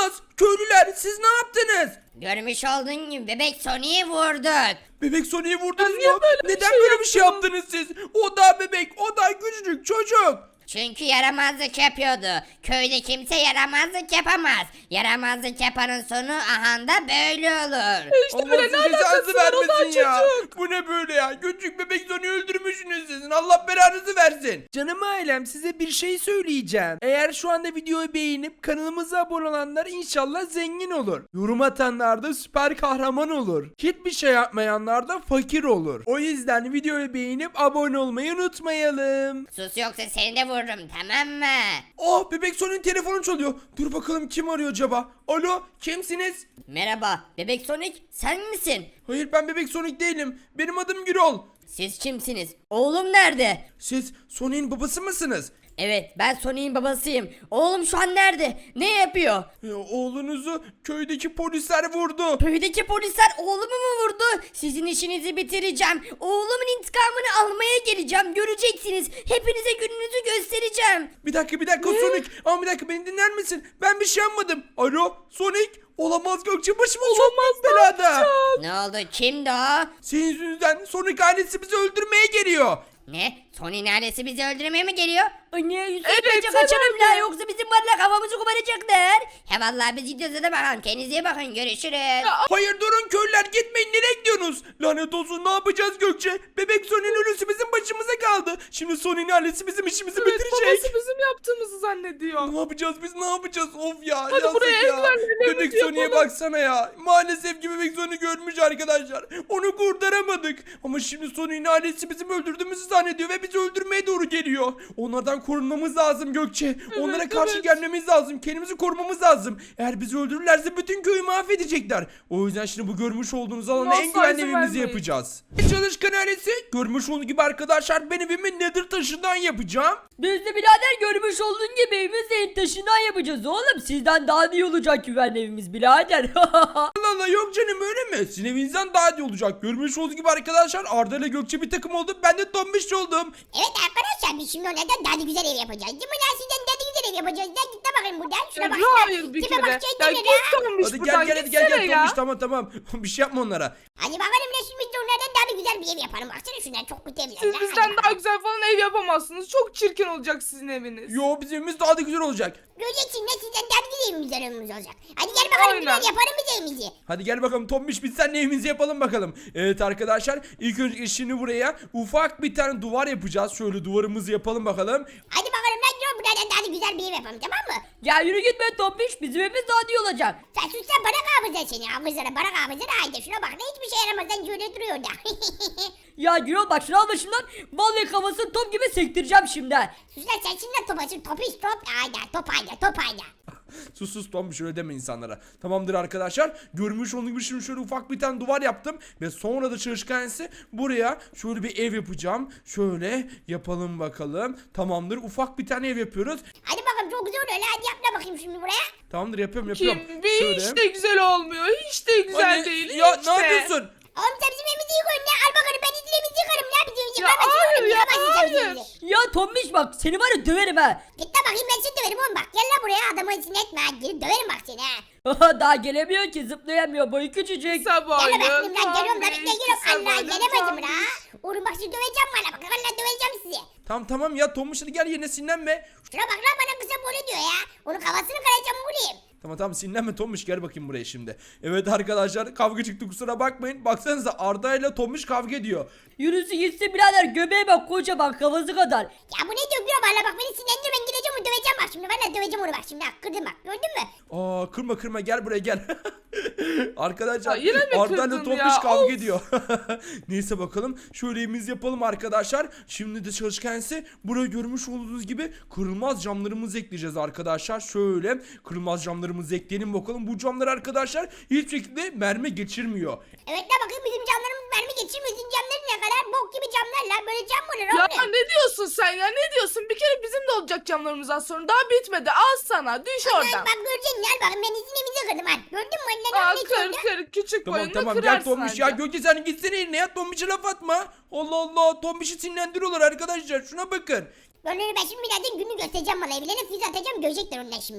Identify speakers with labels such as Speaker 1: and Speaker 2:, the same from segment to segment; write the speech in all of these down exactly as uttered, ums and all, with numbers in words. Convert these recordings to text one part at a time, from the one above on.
Speaker 1: Olamaz. Köylüler siz ne yaptınız?
Speaker 2: Görmüş olduğun gibi bebek Sonic'i vurduk.
Speaker 1: Bebek Sonic'i vurdunuz
Speaker 3: niye
Speaker 1: mu?
Speaker 3: böyle bir
Speaker 1: Neden
Speaker 3: şey
Speaker 1: böyle bir şey
Speaker 3: yaptın?
Speaker 1: yaptınız siz? O da bebek, o da küçücük çocuk.
Speaker 2: Çünkü yaramazlık yapıyordu. Köyde kimse yaramazlık yapamaz. Yaramazlık yapanın sonu ahanda böyle olur.
Speaker 3: İşte
Speaker 1: Allah
Speaker 3: böyle
Speaker 1: size
Speaker 3: ne alakası
Speaker 1: cezanızı
Speaker 3: var o da
Speaker 1: vermesin ya.
Speaker 3: çocuk.
Speaker 1: Bu ne böyle ya? Küçük bebek Sonic'i öldürmüşsünüz sizin. Allah belanızı versin. Canım ailem size bir şey söyleyeceğim. Eğer şu anda videoyu beğenip kanalımıza abone olanlar inşallah zengin olur. Yorum atanlar da süper kahraman olur. Hiçbir şey yapmayanlar da fakir olur. O yüzden videoyu beğenip abone olmayı unutmayalım.
Speaker 2: Sus yoksa seni de vururum, tamam mı?
Speaker 1: Oh, bebek Sonic'in telefonu çalıyor. Dur bakalım kim arıyor acaba? Alo, kimsiniz?
Speaker 2: Merhaba bebek Sonic, sen misin?
Speaker 1: Hayır, ben bebek Sonic değilim. Benim adım Gürol.
Speaker 2: Siz kimsiniz? Oğlum nerede?
Speaker 1: Siz Sonic'in babası mısınız?
Speaker 2: Evet, ben Sonic'in babasıyım. Oğlum şu an nerede? Ne yapıyor?
Speaker 1: Ya, oğlunuzu köydeki polisler vurdu.
Speaker 2: Köydeki polisler oğlumu mu vurdu? Sizin işinizi bitireceğim. Oğlumun intikamını almaya geleceğim. Göreceksiniz. Hepinize gününüzü göstereceğim.
Speaker 1: Bir dakika bir dakika Sonic. Ama bir dakika, beni dinler misin? Ben bir şey yapmadım. Alo Sonic. Olamaz Gökçe, başımız çok büyük belada.
Speaker 2: Ne oldu? Kimdi o?
Speaker 1: Senin yüzünden Sonic ailesi bizi öldürmeye geliyor.
Speaker 2: Ne? Sonic'in ailesi bizi öldürmeye mi geliyor? Anne Yusuf
Speaker 3: Evet,
Speaker 2: bence kaçalım
Speaker 3: herhalde.
Speaker 2: la, yoksa bizim varla kafamızı koparacaklar. He vallahi biz gidiyoruz, hadi bakalım. Kendinize iyi bakın, görüşürüz.
Speaker 1: Hayır durun köylüler, gitmeyin, nereye gidiyorsunuz? Lanet olsun, ne yapacağız Gökçe? Bebek Sonic'in ölüsü bizim başımıza kaldı. Şimdi Sonic'in ailesi bizim işimizi
Speaker 3: Evet,
Speaker 1: bitirecek.
Speaker 3: babası bizim yaptığımızı zannediyor.
Speaker 1: Ne yapacağız biz, ne yapacağız? Of ya,
Speaker 3: Hadi
Speaker 1: yazık
Speaker 3: buraya
Speaker 1: ya.
Speaker 3: evlenmelerimizi
Speaker 1: Bebek Sonic'e
Speaker 3: yapalım.
Speaker 1: baksana ya. Maalesef ki Bebek Sonic görmüş arkadaşlar. Onu kurtaramadık. Ama şimdi Sonic'in ailesi bizim öldürdüğümüzü zannediyor ve bizi öldürmeye doğru geliyor. Onlardan korunmamız lazım Gökçe. Onlara karşı
Speaker 3: evet.
Speaker 1: gelmemiz lazım. Kendimizi korumamız lazım. Eğer bizi öldürürlerse bütün köyü mahvedecekler. O yüzden şimdi bu görmüş olduğunuz alana
Speaker 3: Asla
Speaker 1: en güvenli
Speaker 3: izin
Speaker 1: evimizi
Speaker 3: vermeyin.
Speaker 1: yapacağız. Çalışkan ailesi, görmüş olduğunuz gibi arkadaşlar, ben evimi Nether taşından yapacağım.
Speaker 4: Biz de birader görmüş olduğun gibi evimizi en taşından yapacağız oğlum. Sizden daha iyi olacak güvenli evimiz birader.
Speaker 1: Allah Allah, yok canım, öyle mi? Sizin evinizden daha iyi olacak. Görmüş olduğunuz gibi arkadaşlar, Arda ile Gökçe bir takım oldu. Ben de Tombiş oldum.
Speaker 5: Evet arkadaşlar, biz şimdi onlardan daha da güzel ev yapacağız. Değil mi lan, sizden daha da güzel ev yapacağız. Lan git de bakayım buradan. Şuna
Speaker 3: Ya
Speaker 5: bak.
Speaker 3: hayır bir
Speaker 5: Tipe
Speaker 3: kere.
Speaker 5: bak,
Speaker 3: Ya
Speaker 5: kendine
Speaker 3: git
Speaker 5: lan.
Speaker 3: Tombiş
Speaker 1: Hadi
Speaker 3: buradan,
Speaker 1: gel gel hadi gel
Speaker 3: gitsene
Speaker 1: gel
Speaker 3: ya.
Speaker 1: Tombiş, tamam tamam. Bir şey yapma onlara.
Speaker 5: Hadi bakalım lan, şimdi biz de onlardan daha da güzel bir ev yapalım. Baksana şunlar çok kötü evler.
Speaker 3: Siz
Speaker 5: lan.
Speaker 3: bizden
Speaker 5: Hadi
Speaker 3: daha
Speaker 5: bakalım.
Speaker 3: güzel falan ev yapamazsınız. Çok çirkin olacak sizin eviniz.
Speaker 1: Yo, bizim evimiz daha da güzel olacak.
Speaker 5: Göreceksin lan, sizden daha da güzel evimiz evimiz olacak. Hadi gel bakalım,
Speaker 3: Aynen.
Speaker 5: güzel yapalım biz evimizi.
Speaker 1: Hadi gel bakalım Tombiş, biz seninle evimizi yapalım bakalım. Evet arkadaşlar, ilk önce şimdi buraya ufak bir tane duvar yapacağız. Şöyle duvarımızı yapalım bakalım.
Speaker 5: Hadi bakalım lan, gel buradan daha da güzel bir ev yapalım, tamam mı?
Speaker 4: Ya yürü git be Tombiş, bizim evimiz daha iyi olacak.
Speaker 5: Sen sus sen, bana kahvızlar seni. Hafızlara bana kahvızlar. Haydi şuna bak, ne hiçbir şey yaramazdan şöyle duruyor da.
Speaker 4: Ya Gürol bak şunu al başımdan. Vallahi kafasını top gibi sektireceğim şimdi.
Speaker 5: Sus lan, sen şimdi top açın, top iç top. Haydi top haydi, top haydi.
Speaker 1: Sus sus Tombiş, öyle deme insanlara. Tamamdır arkadaşlar. Görmüş olduğunuz gibi şimdi şöyle ufak bir tane duvar yaptım. Ve sonra da çalışkansı buraya şöyle bir ev yapacağım. Şöyle yapalım bakalım. Tamamdır, ufak bir tane ev yapıyoruz.
Speaker 5: Hadi bakalım, çok güzel oluyor lan. Hadi yap da bakayım şimdi buraya.
Speaker 1: Tamamdır, yapıyorum yapıyorum.
Speaker 3: Kim? Bir hiç de güzel olmuyor. Hiç de güzel
Speaker 1: Anne,
Speaker 3: değil.
Speaker 1: ya
Speaker 3: hiç
Speaker 1: ne
Speaker 3: de.
Speaker 5: Oğlum
Speaker 1: yapıyorsun?
Speaker 5: sen bizim evimizi yıkıyorsun ya. Al bakalım, ben izlemizi yıkarım ya. Bizim evimizi
Speaker 3: Ya
Speaker 5: yıkamazsın
Speaker 3: hayır
Speaker 5: oğlum.
Speaker 3: ya,
Speaker 5: Yıkamazsın sen bizim
Speaker 3: hayır.
Speaker 5: evimizi.
Speaker 4: Ya Tombiş bak seni var ya döverim ha.
Speaker 5: Git de bakayım, ben seni döverim oğlum bak. Gel lan buraya, adamı izin etme. Gelip döverim bak seni ha.
Speaker 4: Daha gelemiyor ki, zıplayamıyor, boyu küçücük.
Speaker 3: Sabahın
Speaker 5: Gel lan bakayım lan, geliyorum lan. Bekle geliyorum. Allah,
Speaker 3: sabahın
Speaker 5: gelemedim
Speaker 3: tam-
Speaker 5: la. Oğlum bak, sizi döveceğim bana. Bak valla döveceğim sizi.
Speaker 1: Tamam tamam ya Tombiş, hadi gel yerine, sinirlenme.
Speaker 5: Şuna bak lan, bana kısa böyle diyor ya. Onun kafasını kıracağım bulayım.
Speaker 1: Tamam tamam, sinirlenme Tombiş, gel bakayım buraya şimdi. Evet arkadaşlar, kavga çıktı, kusura bakmayın. Baksanıza, Arda ile Tombiş kavga ediyor.
Speaker 4: Yürüsü gitsin birader, göbeğe bak kocaman, kafası kadar.
Speaker 5: Ya bu ne diyor diyor, valla bak beni sinirlendir, ben gideceğim onu döveceğim bak şimdi. Valla döveceğim onu bak şimdi. Bak kırdım bak, gördün mü?
Speaker 1: Aa, kırma kırma, gel buraya gel. Arkadaşlar,
Speaker 3: Ya yine mi
Speaker 1: Arda ile
Speaker 3: kırdın
Speaker 1: Tombiş
Speaker 3: ya?
Speaker 1: kavga
Speaker 3: Of.
Speaker 1: ediyor. Neyse bakalım, şöyle evimiz yapalım arkadaşlar. Şimdi de çalışkansı buraya görmüş olduğunuz gibi kırılmaz camlarımızı ekleyeceğiz arkadaşlar. Şöyle kırılmaz camlarımızı ekleyelim bakalım. Bu camlar arkadaşlar hiçbir şekilde mermi geçirmiyor.
Speaker 5: Evet la, bakayım bizim camlarımız mermi geçirmiyor. Sizin camların ne kadar bok gibi camlar la. Böyle cam mı olur
Speaker 3: Ya
Speaker 5: oğlum?
Speaker 3: ne diyorsun sen ya, ne diyorsun? Bir kere bizim de olacak camlarımız az sonra. Daha bitmedi, al sana, düş
Speaker 5: Bak,
Speaker 3: oradan.
Speaker 5: bak göreceksin ya, bakın ben izin evinizi kırdım ha. Gördün mü? Eline
Speaker 3: Aa,
Speaker 5: ne
Speaker 3: kır
Speaker 5: söyledi?
Speaker 3: kır, küçük
Speaker 1: Tamam
Speaker 3: boyunu
Speaker 1: tamam,
Speaker 3: kırarsın
Speaker 1: gel Tombiş
Speaker 3: anca.
Speaker 1: ya. Gökçe sen gitsene yerine ya, Tombiş'e laf atma. Allah Allah, Tombiş'i sinirlendiriyorlar arkadaşlar, şuna bakın.
Speaker 5: Böyle ben şimdi birazdan günü göstereceğim bana. Evlerine füze atacağım, görecekler onlar şimdi ha.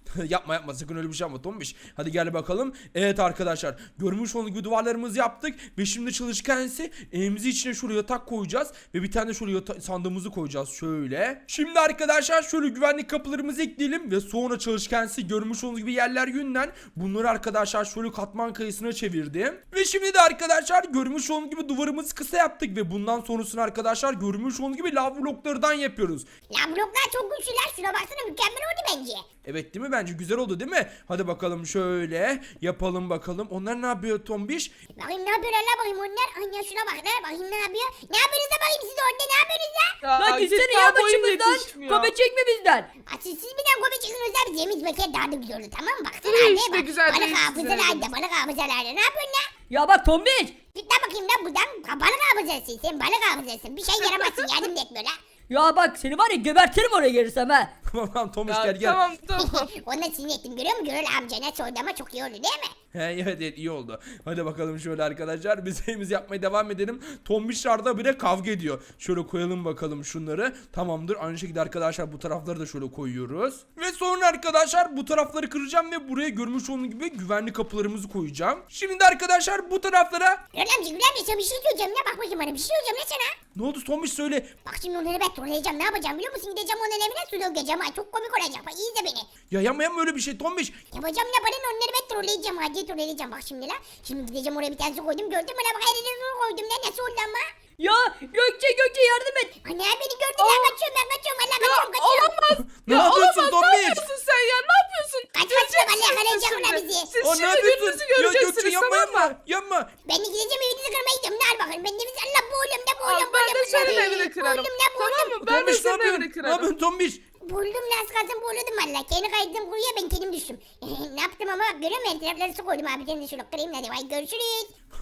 Speaker 1: yapma yapma sakın öyle bir şey yapma Tombiş. Hadi gel bakalım. Evet arkadaşlar görmüş olduğunuz gibi duvarlarımızı yaptık. Ve şimdi çalışkan ise evimizi içine şöyle yatak koyacağız. Ve bir tane de şöyle yata- sandığımızı koyacağız şöyle. Şimdi arkadaşlar şöyle güvenlik kapılarımızı ekleyelim. Ve sonra çalışkan ise görmüş olduğunuz gibi yerler yünden. Bunları arkadaşlar şöyle katman kayısına çevirdim. Ve şimdi de arkadaşlar görmüş olduğunuz gibi duvarımızı kısa yaptık. Ve bundan sonrasını arkadaşlar görmüş olduğunuz gibi lav bloklarından yapıyoruz.
Speaker 5: La bloklar çok güçlüler. Şuna baksana mükemmel oldu bence.
Speaker 1: Evet değil mi? Bence güzel oldu değil mi? Hadi bakalım şöyle yapalım bakalım. Onlar ne yapıyor Tombiş?
Speaker 5: Bakayım ne yapıyorlar la bakayım onlar. Anne şuna bak la bakayım ne yapıyor. Ne yapıyorsunuz da bakayım siz orada ne yapıyorsunuz la?
Speaker 4: Lan
Speaker 3: git
Speaker 4: gitsene
Speaker 3: daha
Speaker 4: ya
Speaker 3: boyun
Speaker 4: başımızdan.
Speaker 3: yetişmiyor.
Speaker 4: Kopya çekme bizden.
Speaker 5: Asıl siz birden kope çıkıyorsunuz la. Biz yemiş bekler daha da güzel oldu tamam mı? Baksana
Speaker 3: İyi
Speaker 5: anne
Speaker 3: işte,
Speaker 5: bak.
Speaker 3: güzel
Speaker 5: Balık
Speaker 3: değil,
Speaker 5: hafızalarda
Speaker 3: güzel.
Speaker 5: balık hafızalarda ne yapıyorsun la?
Speaker 4: Ya bak Tombiş.
Speaker 5: Git la bakayım la buradan. Balık hafızasın sen balık hafızasın. Bir şey yaramazsın yardım da etmiyor la.
Speaker 4: Ya bak seni var ya gebertirim oraya gelirsem ha.
Speaker 1: Tamam Tombiş
Speaker 3: Ya,
Speaker 1: gel gel.
Speaker 3: tamam tamam.
Speaker 5: Onunla sinir ettim görüyor musun? Görül amcana sordu ama çok iyi oldu değil mi?
Speaker 1: He, evet evet iyi oldu. Hadi bakalım şöyle arkadaşlar biz evimizi yapmaya devam edelim. Tombişlarda bile kavga ediyor. Şöyle koyalım bakalım şunları. Tamamdır. Aynı şekilde arkadaşlar bu tarafları da şöyle koyuyoruz. Ve sonra arkadaşlar bu tarafları kıracağım ve buraya görmüş olduğunuz gibi güvenli kapılarımızı koyacağım. Şimdi de arkadaşlar bu taraflara
Speaker 5: Görül amca Görül amca sana bir şey söyleyeceğim ya. Bak bakayım bana bir şey söyleyeceğim ya sana.
Speaker 1: ne oldu Tombiş söyle.
Speaker 5: Bak şimdi onları ben trolleyeceğim ne yapacağım biliyor musun? Gideceğim onun evine su dökeceğim. Ay çok komik olacak. Bak iyi de beni.
Speaker 1: Ya yapma yapma öyle bir şey Tombiş.
Speaker 5: Yapacağım ne bana onları ben trolleyeceğim. Hadi trolleyeceğim bak şimdi la. Şimdi gideceğim oraya bir tane su koydum. Gördün mü la bak her yerine su koydum. Ne nasıl oldu ama?
Speaker 4: Ya Gökçe Gökçe yardım et.
Speaker 5: Anne beni gördüler kaçıyorum ben kaçıyorum. Allah kaçıyorum kaçıyorum.
Speaker 3: Olamaz.
Speaker 1: Ne
Speaker 3: Ya
Speaker 1: yapıyorsun
Speaker 3: olamaz. Ne
Speaker 1: Tombiş?
Speaker 3: yapıyorsun sen ya? Ne yapıyorsun?
Speaker 5: Kaç kaç bak Allah yakalayacak
Speaker 3: Şimdi.
Speaker 5: ona bizi.
Speaker 3: Siz
Speaker 1: Aa, ne
Speaker 3: şimdi
Speaker 1: yapıyorsun?
Speaker 3: gününüzü
Speaker 1: Ya Gökçe
Speaker 3: göreceksiniz
Speaker 1: yapma
Speaker 3: tamam mı?
Speaker 1: yapma. Yapma.
Speaker 5: Ben de gideceğim evinizi kırmaya gidiyorum. Ne al bakalım. Ben de biz Allah boğuluyorum ne boğuluyorum.
Speaker 3: Al, ben de
Speaker 5: boğuluyorum,
Speaker 3: senin
Speaker 5: boğuluyorum.
Speaker 3: evini kırarım.
Speaker 5: Boğuluyorum ne
Speaker 3: Tamam
Speaker 5: boğuluyorum.
Speaker 3: mı? Ben de
Speaker 1: Tombiş ne
Speaker 3: senin
Speaker 1: yapıyorsun?
Speaker 3: evini
Speaker 1: Ne
Speaker 3: kırarım.
Speaker 1: yapıyorsun Tombiş?
Speaker 5: Buldum las kalsın boğuluyordum valla. Kendi kaydım kuruya ben kendim düştüm. ne yaptım ama görüyor musun? Tarafları su koydum abi. Sen de şunu kırayım hadi. Vay görüşürüz.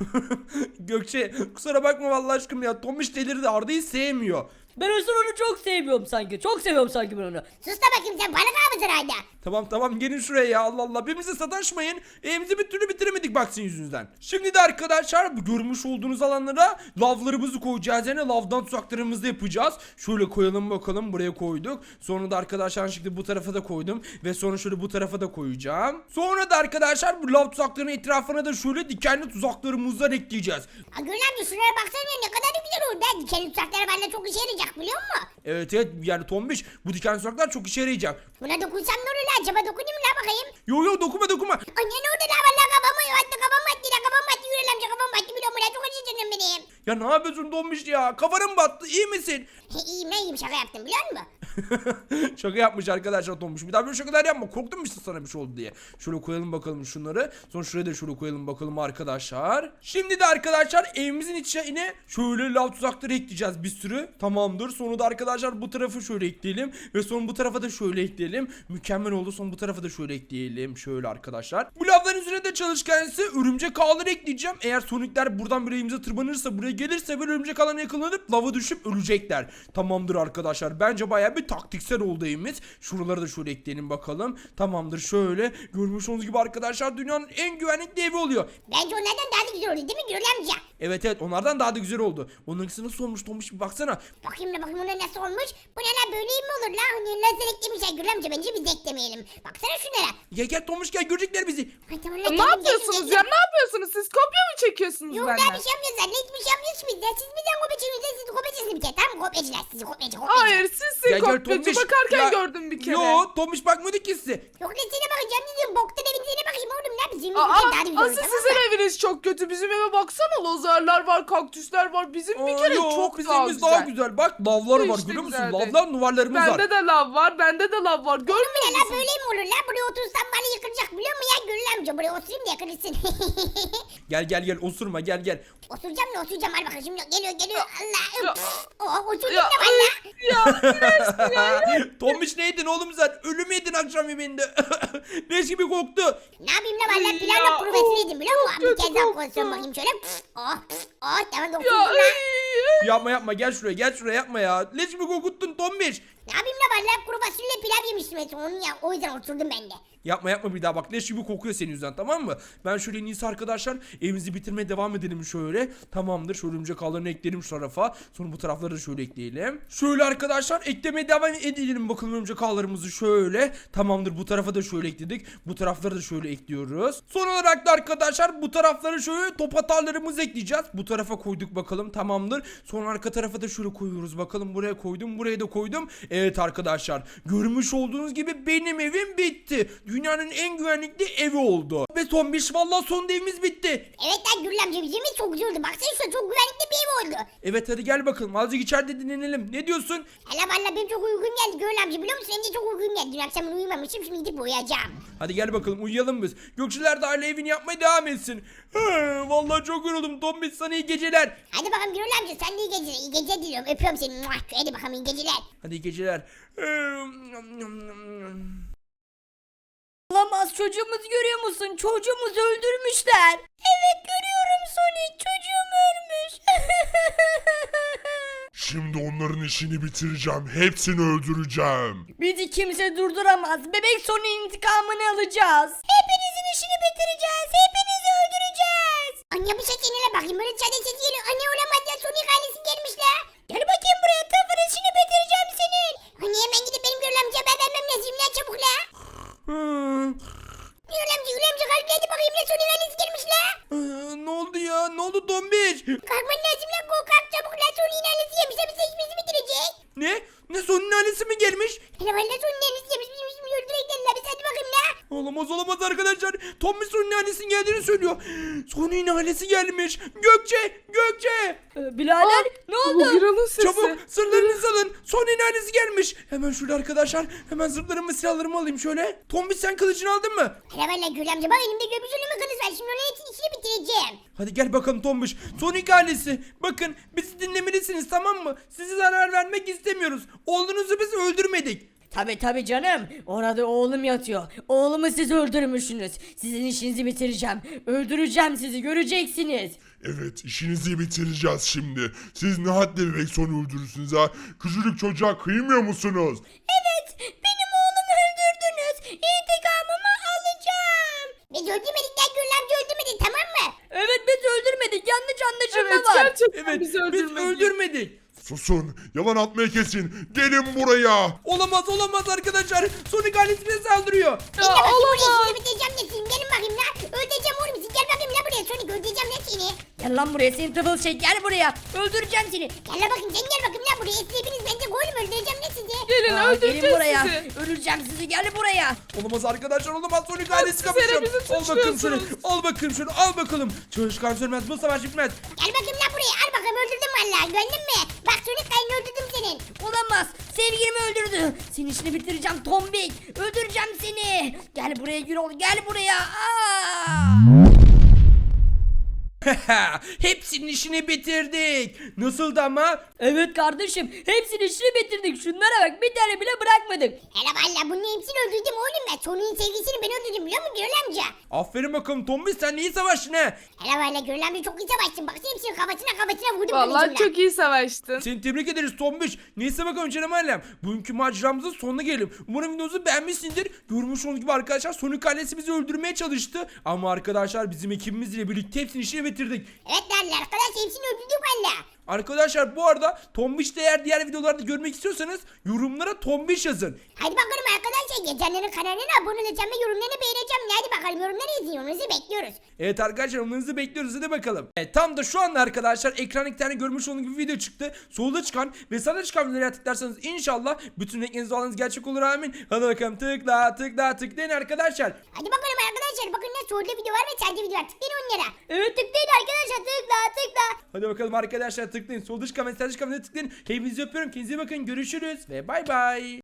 Speaker 1: Gökçe kusura bakma vallahi aşkım ya. Tombiş delirdi. Arda'yı sevmiyor.
Speaker 4: Ben Özür onu çok seviyorum sanki. Çok seviyorum sanki ben onu.
Speaker 5: Sus da bakayım sen balık avcısın hala.
Speaker 1: Tamam tamam gelin şuraya ya Allah Allah birbirimize sataşmayın. Evimizi bir türlü bitiremedik bak sizin yüzünüzden. Şimdi de arkadaşlar bu görmüş olduğunuz alanlara lavlarımızı koyacağız. Yani lavdan tuzaklarımızı yapacağız. Şöyle koyalım bakalım buraya koyduk. Sonra da arkadaşlar şimdi bu tarafa da koydum. Ve sonra şöyle bu tarafa da koyacağım. Sonra da arkadaşlar bu lav tuzaklarının etrafına da şöyle dikenli tuzaklarımızdan ekleyeceğiz.
Speaker 5: Aa, Gül amca şuraya baksana ne kadar da güzel oldu. Ben dikenli tutakları bende çok işe yarayacak biliyor musun?
Speaker 1: Evet evet yani Tombiş bu dikenli tuzaklar çok işe yarayacak.
Speaker 5: Buna dokunsam ne olur la? Acaba dokunayım la bakayım.
Speaker 1: Yo yo dokunma dokunma.
Speaker 5: Anne ne oldu la? Valla kafama attı kafama attı la kafama attı. Yürü amca kafama attı biliyor musun la? Çok acı canım benim.
Speaker 1: Ya ne yapıyorsun Tombiş ya? Kafanın battı iyi misin?
Speaker 5: İyiyim ne iyiyim şaka yaptım biliyor musun?
Speaker 1: Şaka yapmış arkadaşlar Tombiş. Bir daha böyle şakalar yapma. Korktum işte sana bir şey oldu diye. Şöyle koyalım bakalım şunları. Sonra şuraya da şöyle koyalım bakalım arkadaşlar. Şimdi de arkadaşlar evimizin içine şöyle lav tuzakları ekleyeceğiz bir sürü. Tamamdır. Sonra da arkadaşlar bu tarafı şöyle ekleyelim. Ve sonra bu tarafa da şöyle ekleyelim. Mükemmel oldu. Sonra bu tarafa da şöyle ekleyelim. Şöyle arkadaşlar. Bu lavların üzerine de çalışkan ise örümcek ağları ekleyeceğim. Eğer sonikler buradan böyle evimize tırmanırsa buraya gelirse böyle örümcek ağlarına yakalanıp lava düşüp ölecekler. Tamamdır arkadaşlar. Bence bayağı bir taktiksel oldu evimiz. Şuraları da şöyle ekleyelim bakalım. Tamamdır şöyle. Görmüş olduğunuz gibi arkadaşlar dünyanın en güvenlikli evi oluyor.
Speaker 5: Bence onlardan daha da güzel oldu değil mi Gül amca?
Speaker 1: Evet evet onlardan daha da güzel oldu. Onunkisi nasıl olmuş Tombiş bir baksana.
Speaker 5: Bakayım da bakayım ona nasıl olmuş. Bu ne la böyle mi olur la? Hani lazer eklemişler Gül amca bence biz de eklemeyelim. Baksana şunlara.
Speaker 1: Gel gel Tombiş gel görecekler bizi.
Speaker 5: Ay, tamam, la,
Speaker 3: Ne
Speaker 5: geldim,
Speaker 3: yapıyorsunuz
Speaker 5: geldim,
Speaker 3: ya?
Speaker 5: geldim.
Speaker 3: Ne yapıyorsunuz? Siz kopya mı çekiyorsunuz
Speaker 5: Yok
Speaker 3: benden?
Speaker 5: daha bir şey yapmıyoruz anne hiçbir şey yapmıyoruz biz de. Siz bizden kopyaçınız siz kopyaçısınız bir kere tamam mı? Kopyacılar sizi kopyacı kopyacı.
Speaker 3: Hayır sizsin
Speaker 1: Gel, gel,
Speaker 3: kopyacı.
Speaker 1: Tombiş.
Speaker 3: Bakarken
Speaker 1: Ya,
Speaker 3: gördüm bir kere.
Speaker 1: Yo Tombiş bakmadı ki size.
Speaker 5: Yok lan seni bakacağım dedim. Boktan evinize bakayım oğlum ne bizim
Speaker 3: Aa,
Speaker 5: evimiz daha da güzel olur
Speaker 3: asıl
Speaker 5: tamam
Speaker 3: sizin
Speaker 5: mı?
Speaker 3: eviniz çok kötü. Bizim eve baksana lazerler var, kaktüsler var. Bizim bir
Speaker 1: Aa,
Speaker 3: kere
Speaker 1: yo,
Speaker 3: çok
Speaker 1: bizim
Speaker 3: daha
Speaker 1: evimiz
Speaker 3: güzel.
Speaker 1: daha güzel. Bak lavlar var
Speaker 3: Hiç de
Speaker 1: görüyor musun?
Speaker 3: güzel değil.
Speaker 1: Lavlar duvarlarımız var.
Speaker 3: Bende de lav var, bende de lav var.
Speaker 5: Bu
Speaker 3: Görmüyor
Speaker 5: ne la
Speaker 3: musun?
Speaker 5: böyle mi olur la? Buraya otursam bana yıkılacak biliyor musun ya Gül amca? Buraya oturayım da yakılırsın.
Speaker 1: Gel gel gel osurma gel gel.
Speaker 5: Oturacağım da oturacağım al bakalım şimdi geliyor geliyor. Allah.
Speaker 3: Ya.
Speaker 5: Üf. Oh oturdum
Speaker 3: Ya,
Speaker 5: da valla.
Speaker 3: ya iğrençsin ya.
Speaker 1: Tombiş ne yedin oğlum sen? Ölüm yedin akşam yemeğinde. Leş gibi koktu.
Speaker 5: Ne yapayım la valla
Speaker 3: Ya,
Speaker 5: planla profesör yedim biliyor musun?
Speaker 3: çok
Speaker 5: Bir kez
Speaker 3: kötü
Speaker 5: daha
Speaker 3: koktu.
Speaker 5: konuşuyorum bakayım şöyle. Oh oh tamam da
Speaker 3: Ya
Speaker 5: oturdum la.
Speaker 3: ay.
Speaker 1: Yapma yapma gel şuraya gel şuraya yapma ya. Leş gibi kokuttun Tombiş.
Speaker 5: Ne yapayım la valla kuru fasulye pilav yemiştim en son onun ya. O yüzden oturdum ben de.
Speaker 1: Yapma yapma bir daha bak leş gibi kokuyor senin yüzünden tamam mı? Ben şöyle en iyisi arkadaşlar evimizi bitirmeye devam edelim şöyle. Tamamdır şöyle örümcek ağlarını ekleyelim şu tarafa. Sonra bu tarafları da şöyle ekleyelim. Şöyle arkadaşlar eklemeye devam edelim bakalım örümcek ağlarımızı şöyle. Tamamdır bu tarafa da şöyle ekledik. Bu tarafları da şöyle ekliyoruz. Son olarak da arkadaşlar bu tarafları şöyle top atarlarımızı ekleyeceğiz. Bu tarafa koyduk bakalım tamamdır. Sonra arka tarafa da şöyle koyuyoruz bakalım buraya koydum buraya da koydum. Evet arkadaşlar görmüş olduğunuz gibi benim evim bitti. Dünyanın en güvenlikli evi oldu. Ve Tombiş vallahi son evimiz bitti.
Speaker 5: Evet lan Gürül amca bizim ev çok güzel oldu. Baksana şu çok güvenlikli bir ev oldu.
Speaker 1: Evet hadi gel bakalım azıcık içeride dinlenelim. Ne diyorsun?
Speaker 5: Hala valla benim çok uygun geldi Gürül amca biliyor musun? Hem de çok uygun geldi. Dün akşam ben uyumamışım şimdi gidip uyuyacağım.
Speaker 1: Hadi gel bakalım uyuyalım biz. Gökçeler de aile evini yapmaya devam etsin. He, vallahi çok yoruldum Tombiş sana iyi geceler.
Speaker 5: Hadi bakalım Gürül amca sen de iyi geceler. İyi geceler diliyorum. Öpüyorum seni. Muah. Hadi bakalım iyi geceler.
Speaker 1: Hadi iyi geceler.
Speaker 4: Olamaz, çocuğumuzu görüyor musun? Çocuğumuzu öldürmüşler. Evet görüyorum Sonic, çocuğum ölmüş.
Speaker 6: Şimdi onların işini bitireceğim. Hepsini öldüreceğim.
Speaker 4: Bizi kimse durduramaz. Bebek Sonic'in intikamını alacağız. Hepinizin işini bitireceğiz. Hepinizi öldüreceğiz.
Speaker 5: Anne bu ses yenile bakayım. Böyle çadır sesi geliyor. Anne olamaz ya. Sonic ailesi gelmiş la.
Speaker 4: Gel bakayım buraya, tıfır işini bitireceğim senin.
Speaker 5: Anne hemen gidip benim Gürül amca haber vermem lazım la çabuk la. Gürül amca Gürül amca kalk hadi bakayım la. Sonic ailesi gelmiş la.
Speaker 1: Ne oldu ya? Ne oldu Tombiş?
Speaker 5: Kalkman lazım la. Go kalk çabuk la. Sonic'in ailesi yemiş. Bize işimizi bitirecek.
Speaker 1: Ne? Ne Sony'nin ailesi mi gelmiş?
Speaker 5: Hele valla Sonic'in ailesi yemiş. Bizim işimizi öldürecekler la. Biz hadi bakayım la.
Speaker 1: Olamaz olamaz arkadaşlar. Tombiş Sony'nin ailesinin geldiğini söylüyor. Sony'nin ailesi gelmiş. Gökçe! Gökçe!
Speaker 4: Ee, birader ne
Speaker 3: Bu
Speaker 4: oldu?
Speaker 3: Gürül'ün sesi.
Speaker 1: Çabuk sırlarınızı alın. Sony'nin ailesi gelmiş. Hemen şöyle arkadaşlar. Hemen zırhlarımı silahlarımı alayım şöyle. Tombiş sen kılıcını aldın mı?
Speaker 5: Hele valla Gürül amca bak elimde göbüş ölümü kılıç var. Şimdi onun hepsini işini bitireceğim.
Speaker 1: Hadi gel bakalım Tombiş. Sonic ailesi. Bakın bizi dinlemelisiniz tamam mı? Size zarar vermek istemiyoruz. Oğlunuzu biz öldürmedik.
Speaker 4: Tabi tabi canım. Orada oğlum yatıyor. Oğlumu siz öldürmüşsünüz. Sizin işinizi bitireceğim. Öldüreceğim sizi, göreceksiniz.
Speaker 6: Evet, işinizi bitireceğiz şimdi. Siz ne hadle bebek sonu öldürürsünüz ha? Küçücük çocuğa kıymıyor musunuz?
Speaker 4: Evet, benim oğlumu öldürdünüz. İntikamımı alacağım.
Speaker 5: Biz öldürmedik lan Gürül amca öldürmedi tamam mı?
Speaker 4: Evet biz öldürmedik. Yanlış anlaşılma
Speaker 3: Evet
Speaker 4: var.
Speaker 3: gerçekten
Speaker 1: Evet
Speaker 3: bizi
Speaker 1: biz
Speaker 3: öldürmedi.
Speaker 1: öldürmedik.
Speaker 6: Susun, yalan atmayı kesin. Gelin buraya.
Speaker 1: Olamaz olamaz arkadaşlar. Sonic ailesi bize saldırıyor.
Speaker 3: Ya
Speaker 5: Gel bakayım buraya
Speaker 3: olamaz.
Speaker 5: işini bitireceğim de seni. Gelin bakayım lan. Öldüreceğim oğlum sizi. Gel bakayım lan buraya. Sonic öldüreceğim lan seni.
Speaker 4: Gel lan buraya, senin tıfıl şey, gel buraya. Öldüreceğim seni.
Speaker 5: Gel lan bakayım sen gel bakayım lan buraya. Siz hepiniz bence koyun öldüreceğim lan sizi.
Speaker 3: Gelin
Speaker 4: Aa,
Speaker 3: öldüreceğiz
Speaker 4: gelin buraya.
Speaker 3: sizi.
Speaker 4: Öleceğim sizi, gel buraya.
Speaker 1: Olamaz arkadaşlar olamaz. Sonic ailesi
Speaker 3: siz hele
Speaker 1: kapışacak.
Speaker 3: bizi
Speaker 1: Al bakalım şöyle.
Speaker 3: suçluyorsunuz.
Speaker 1: Al bakalım şöyle. Al bakalım. Çalışkan sürmez. Bu savaş bitmez.
Speaker 5: Gel bakayım lan buraya. Al bakalım öldürdüm valla. Gördün mü? Bak Sonic kayını öldürdüm senin.
Speaker 4: Olamaz. Sevgilimi öldürdü. Senin işini bitireceğim Tombik. Öldüreceğim seni. Gel buraya Gürol, gel buraya. Aa!
Speaker 1: Hepsinin işini bitirdik. Nasıldı ama?
Speaker 4: Evet kardeşim, hepsinin işini bitirdik. Şunlara bak, bir tane bile bırakmadık.
Speaker 5: Hele valla bunun hepsini öldürdüm oğlum ben. Sonic'in sevgisini ben öldürdüm biliyor musun Gürül amca?
Speaker 1: Aferin bakalım Tombiş sen iyi savaştın ha.
Speaker 5: Hele valla Gürül amca çok iyi savaştın. Baksana hepsinin kafasına kafasına vurdum
Speaker 3: Vallahi
Speaker 5: kılıcımla.
Speaker 3: çok iyi savaştın.
Speaker 1: Seni tebrik ederiz Tombiş. Neyse bakalım canım ailem. Bugünkü maceramızın sonuna gelelim. Umarım videomuzu beğenmişsindir. Görmüş olduğunuz gibi arkadaşlar Sonic ailesi bizi öldürmeye çalıştı. Ama arkadaşlar bizim ekibimizle birlikte hepsini işini bitirdik.
Speaker 5: Evet lan arkadaş hepsini öldürdüm valla.
Speaker 1: Arkadaşlar bu arada Tombiş de eğer diğer videolarda görmek istiyorsanız yorumlara Tombiş yazın.
Speaker 5: Hadi bakalım arkadaşlar geçenlerin kanalına abone olacağım ve yorumlarını beğeneceğim. Hadi bakalım yorumları izin yorumlarınızı bekliyoruz.
Speaker 1: Evet arkadaşlar yorumlarınızı bekliyoruz hadi bakalım. Evet, tam da şu anda arkadaşlar ekranda iki tane görmüş olduğunuz gibi video çıktı. Solda çıkan ve sağda çıkan videoları tıklarsanız inşallah bütün renkleriniz olanınız gerçek olur amin. Hadi bakalım tıkla tıkla tıklayın arkadaşlar.
Speaker 5: Hadi bakalım arkadaşlar bakın ne solda video var ve sağda video var. Tıklayın onlara.
Speaker 4: Evet tıklayın arkadaşlar, tıkla tıkla.
Speaker 1: Hadi bakalım arkadaşlar tıklayın. Solda çıkan ve sağda çıkan videoları tıklayın. Hepinizi öpüyorum. Kendinize iyi bakın. Görüşürüz ve bay bay.